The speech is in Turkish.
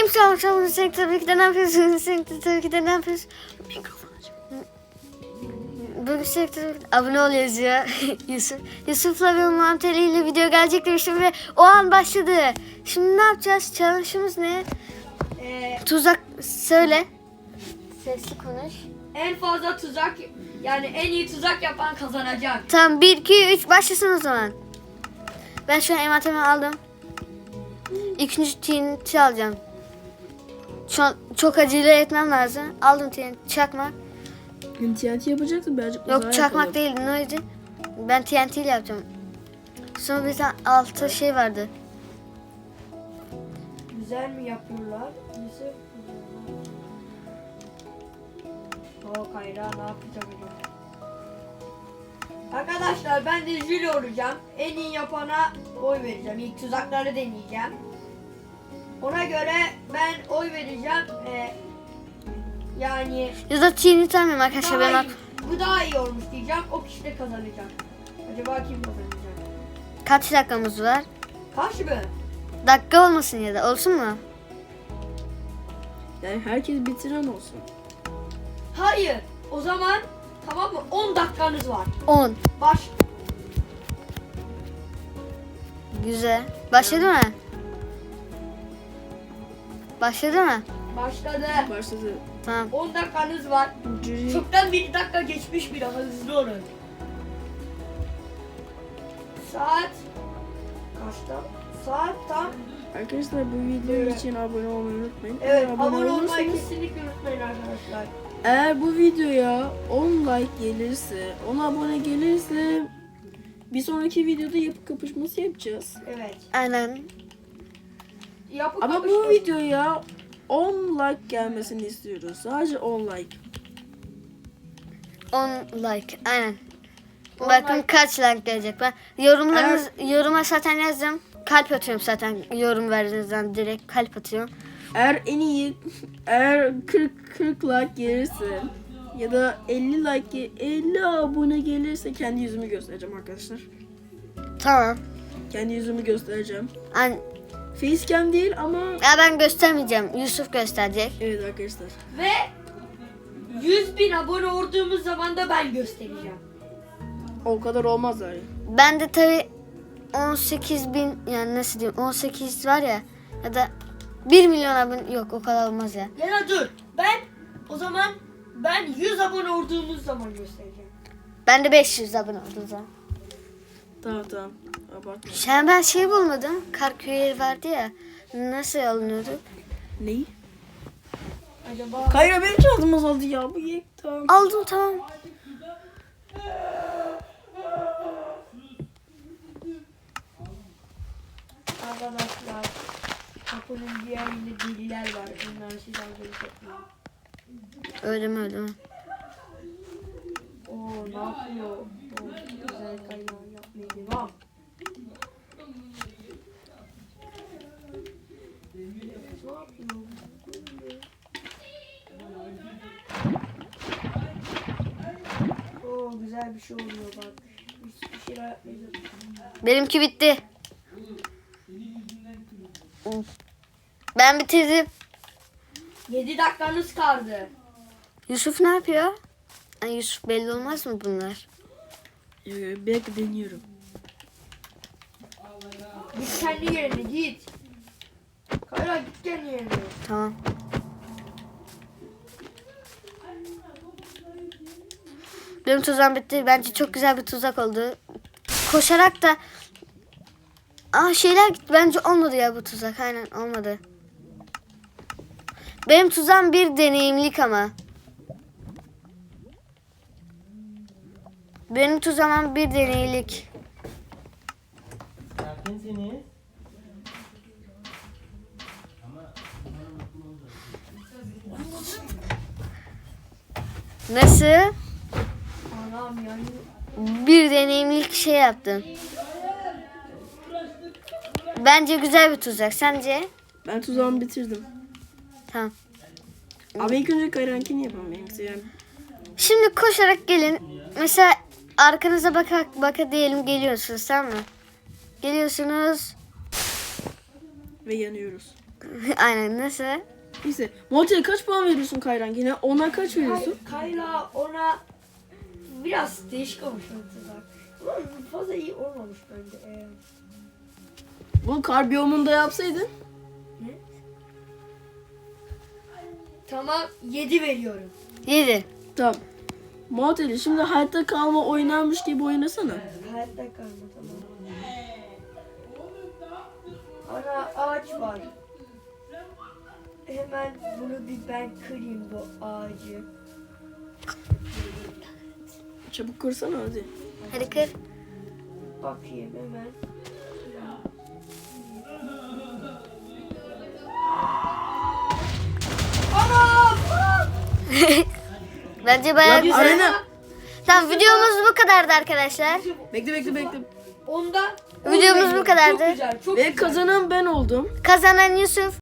Aleykümselam. Sen tabii ki de ne yapıyorsun? Sen tabii ki de ne yapıyorsun? Mikrofon aç. Bugün sektör abone ol yazıyor Yusuf. Yusuf'la ve Muhammed Ali ile video gelecek demiştim ve o an başladı. Şimdi ne yapacağız? Challenge'ımız ne? Tuzak söyle. Sesli konuş. En fazla tuzak, yani en iyi tuzak yapan kazanacak. Tamam 1, 2, 3 başlasın o zaman. Ben şu an envanterimi aldım. İkinci TNT alacağım. Şu an çok acele etmem lazım. Aldım TNT çakmak. TNT yapacaksın birazcık uzağa Yok çakmak yapalım. değil neydi? Ben TNT ile yapacağım. Sonra bir tane altı şey vardı. Güzel mi yapıyorlar? Yusuf. O Kayra ne yapacak acaba? Arkadaşlar ben de jüri olacağım. En iyi yapana oy vereceğim. İlk tuzakları deneyeceğim. Ona göre ben oy vereceğim. Yani Ya da TNT almayayım arkadaşlar. Ben daha bak. iyi, bu daha iyi olmuş diyeceğim. O kişi de kazanacak. Acaba kim kazanacak? Kaç dakikamız var? Kaç mı? Dakika olmasın ya da olsun mu? Yani herkes bitiren olsun. Hayır. O zaman tamam mı? 10 dakikanız var. 10. Baş. Güzel. Başladı mı? Başladı mı? Başladı. Başladı. Tamam. 10 dakikanız var. Jüri Çoktan 1 dakika geçmiş bile, hızlı olun. Saat kaçta? Saat tam. Arkadaşlar bu video için abone olmayı unutmayın. Evet, Eğer abone olmayı olursanız- kesinlikle unutmayın arkadaşlar. Eğer bu videoya 10 like gelirse, 10 abone gelirse bir sonraki videoda yapı kapışması yapacağız. Evet. Aynen. Yapı Ama kapışma- bu videoya 10 like gelmesini istiyoruz. Sadece 10 like. 10 like. Aynen. 10 Bakın like. kaç like gelecek. Ben yoruma zaten yazdım. Kalp atıyorum zaten yorum verdiğinizden direkt kalp atıyorum. Eğer 40 like gelirse ya da 50 like 50 abone gelirse kendi yüzümü göstereceğim arkadaşlar. Tamam. Kendi yüzümü göstereceğim. Ya Facecam değil ama ben göstermeyeceğim. Yusuf gösterecek. evet arkadaşlar. Ve 100.000 abone olduğumuz zaman da ben göstereceğim. O kadar olmaz yani. Ben de tabi 18.000 yani nasıl diyeyim 18 var ya ya da 1 milyon abone yok o kadar olmaz ya. Ya da dur. O zaman ben 100 abone olduğumuz zaman göstereceğim. Ben de 500 abone oldum zaman. Tamam. Abartma. Ben şey bulmadım. Kar köyleri vardı ya. Nasıl alınıyordu? Neyi? Acaba Kayra benim şansım azaldı ya. Bu yek tamam. Aldım tamam. arkadaşlar kapının diğerinde deliler var. Onları siz algılayacaklar. Öldüm. Oo ne yapıyor? Oo, güzel kaynağı yapmaya devam. Ne yapıyor? Oo güzel bir şey oluyor bak. Bir şeyler yapmayacağız. Benimki bitti. Ben bitirdim. 7 dakikanız kaldı. Yusuf ne yapıyor? Ay Yusuf belli olmaz mı bunlar? Bir dakika deniyorum. Git kendi yerine git. Kayra git kendi yerine. Tamam. Benim tuzağım bitti. Bence çok güzel bir tuzak oldu. Koşarak da şeyler gitti. Bence olmadı ya bu tuzak. Aynen olmadı. Benim tuzağım bir deneyimlik ama. Benim tuzağım bir deneyimlik. Sakinsiniz. Nasıl? Anam yani. Bir deneyimlik şey yaptım. Bence güzel bir tuzak. Sence? Ben tuzağımı bitirdim. Tamam. Ama ilk önce Kayra'nkini yapalım. Benimkisi yani. Şimdi koşarak gelin. Mesela arkanıza baka diyelim geliyorsunuz tamam mı? Geliyorsunuz. Ve yanıyoruz. Aynen nasıl? Neyse. Montel kaç puan veriyorsun Kayran yine? Ona kaç veriyorsun? Kayla ona biraz değişik olmuş o tuzak. Ama fazla iyi olmamış bence. Bu kar biyomunda yapsaydın. Tamam 7 veriyorum. 7. Tamam. Montel şimdi hayatta kalma oynarmış gibi oynasana. Hayatta kalma tamam. Ana ağaç var. Hemen bunu bir ben kırayım bu ağacı. Çabuk kırsana hadi. Hadi kır. Bakayım hemen. Anam! Bence bayağı Ya, güzel. arena. Tamam videomuz bu kadardı arkadaşlar. Bekle. Onda Videomuz bu kadardı. Çok güzel. Çok Ve güzel. kazanan ben oldum. Kazanan Yusuf.